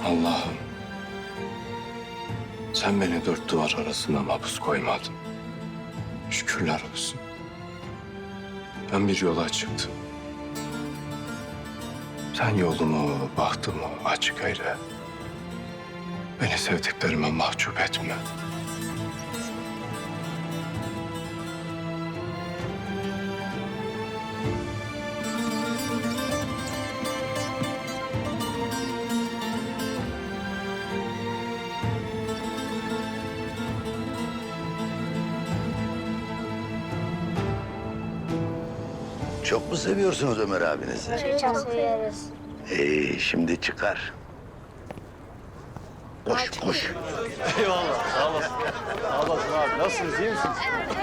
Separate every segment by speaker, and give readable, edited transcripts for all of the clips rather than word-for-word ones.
Speaker 1: Allah'ım, sen beni dört duvar arasında mahpus koymadın. Şükürler olsun. Ben bir yola çıktım. Sen yolumu, bahtımı açık eyle. Beni sevdiklerime mahcup etme.
Speaker 2: Çok mu seviyorsunuz Ömer abinizi?
Speaker 3: Çok seviyoruz.
Speaker 2: Şimdi çıkar. Koş, koş.
Speaker 4: Eyvallah, sağ olasın. Sağ olasın abi. Nasılsınız, iyi misiniz?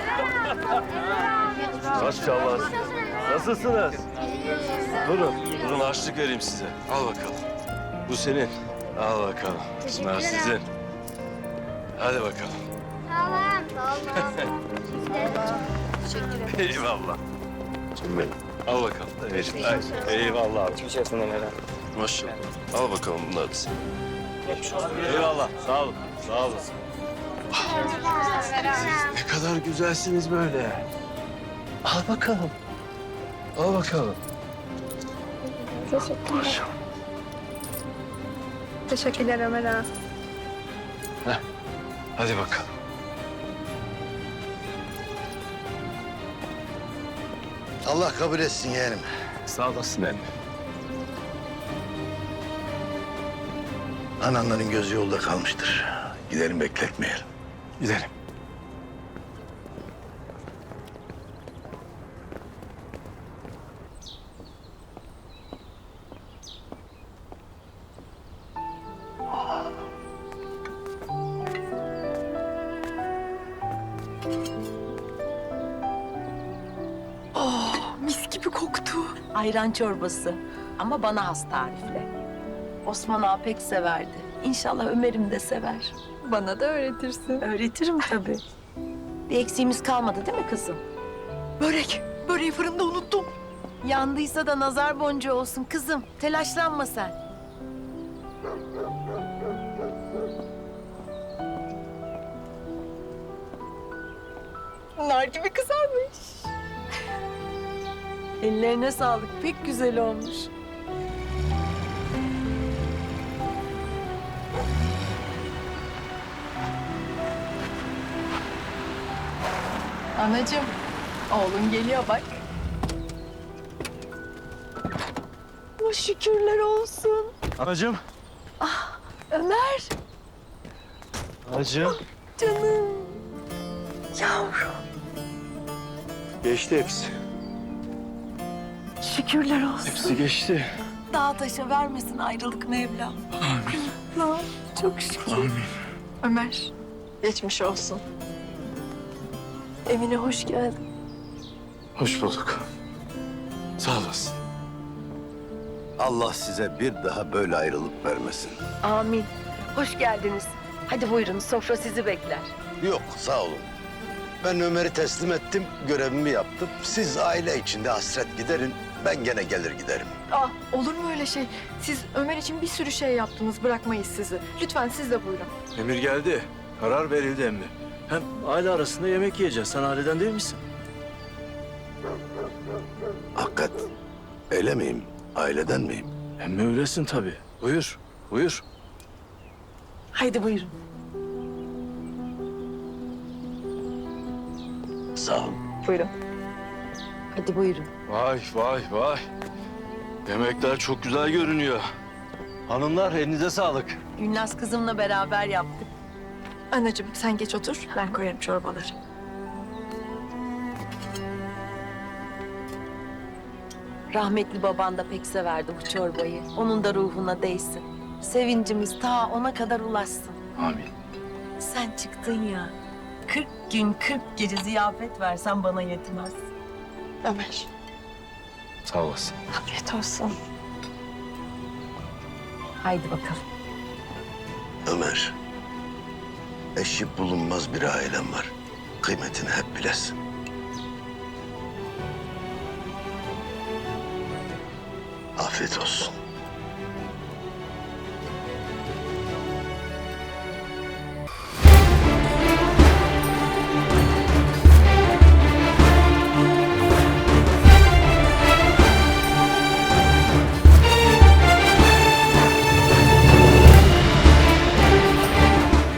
Speaker 4: Maşallah. Nasılsınız? Durun harçlık vereyim size. Al bakalım. Bu senin. Al bakalım. Bunlar sizin. Hadi bakalım.
Speaker 3: Tamam.
Speaker 4: Eyvallah. Canım benim. Al bakalım. Vereyim. Eyvallah abi.
Speaker 5: Geçersin Ömer'e.
Speaker 4: Maşallah. Al bakalım bunları da sen. Eyvallah. Sağ olun. Sağ olun.
Speaker 1: Ne kadar güzelsiniz böyle. Al bakalım. Al bakalım.
Speaker 3: Teşekkürler.
Speaker 6: Teşekkürler Ömer ağa.
Speaker 1: Hadi bakalım.
Speaker 2: Allah kabul etsin yeğenim.
Speaker 1: Sağ olasın emmi.
Speaker 2: Ananların gözü yolda kalmıştır. Gidelim bekletmeyelim.
Speaker 1: Gidelim.
Speaker 6: Mis gibi koktu.
Speaker 7: Ayran çorbası ama bana has tarifle. Osman ağa pek severdi. İnşallah Ömer'im de sever.
Speaker 6: Bana da öğretirsin.
Speaker 7: Öğretirim tabii. Bir eksiğimiz kalmadı değil mi kızım?
Speaker 6: Börek. Böreği fırında unuttum.
Speaker 7: Yandıysa da nazar boncuğu olsun kızım. Telaşlanma sen.
Speaker 6: Nar gibi kızarmış.
Speaker 7: Ellerine sağlık. Pek güzel olmuş.
Speaker 6: Anacığım, oğlun geliyor bak.
Speaker 7: Oh, şükürler olsun.
Speaker 4: Anacığım.
Speaker 7: Ömer,
Speaker 4: Anacığım.
Speaker 7: canım. Yavrum.
Speaker 4: Geçti hepsi.
Speaker 7: Şükürler olsun.
Speaker 4: Hepsi geçti.
Speaker 7: Dağ taşa vermesin ayrılık Mevlam. Amin. Çok şükür.
Speaker 6: Ömer, geçmiş olsun.
Speaker 7: Evine hoş geldin.
Speaker 1: Hoş bulduk. Sağ olasın.
Speaker 2: Allah size bir daha böyle ayrılık vermesin.
Speaker 7: Amin. Hoş geldiniz. Hadi buyurun, sofra sizi bekler.
Speaker 2: Yok, sağ olun. Ben Ömer'i teslim ettim, görevimi yaptım. Siz aile içinde hasret giderin, ben gene gelir giderim.
Speaker 6: Ah, olur mu öyle şey? Siz Ömer için bir sürü şey yaptınız, bırakmayız sizi. Lütfen siz de buyurun.
Speaker 4: Emir geldi. Karar verildi emmi. Hem aile arasında yemek yiyeceğiz. Sen aileden değil misin?
Speaker 2: Hakikat, öyle miyim? Aileden miyim?
Speaker 4: Emmi öylesin tabii. Buyur. Buyur.
Speaker 7: Haydi buyurun.
Speaker 2: Sağ ol.
Speaker 6: Buyurun.
Speaker 7: Hadi buyurun.
Speaker 4: Vay vay vay. Yemekler çok güzel görünüyor. Hanımlar elinize sağlık.
Speaker 7: Gülnaz kızımla beraber yaptık.
Speaker 6: Anacığım sen geç otur, ben koyarım çorbaları.
Speaker 7: Rahmetli baban da pek severdi bu çorbayı. Onun da ruhuna değsin. Sevincimiz ta ona kadar ulaşsın.
Speaker 1: Amin.
Speaker 7: Sen çıktın ya. 40 gün 40 gece ziyafet versen bana yetmez.
Speaker 6: Ömer,
Speaker 1: Sağ olasın.
Speaker 6: afiyet olsun.
Speaker 7: Haydi bakalım.
Speaker 2: Ömer, eşi bulunmaz bir ailem var. Kıymetini hep bilesin. Afiyet olsun.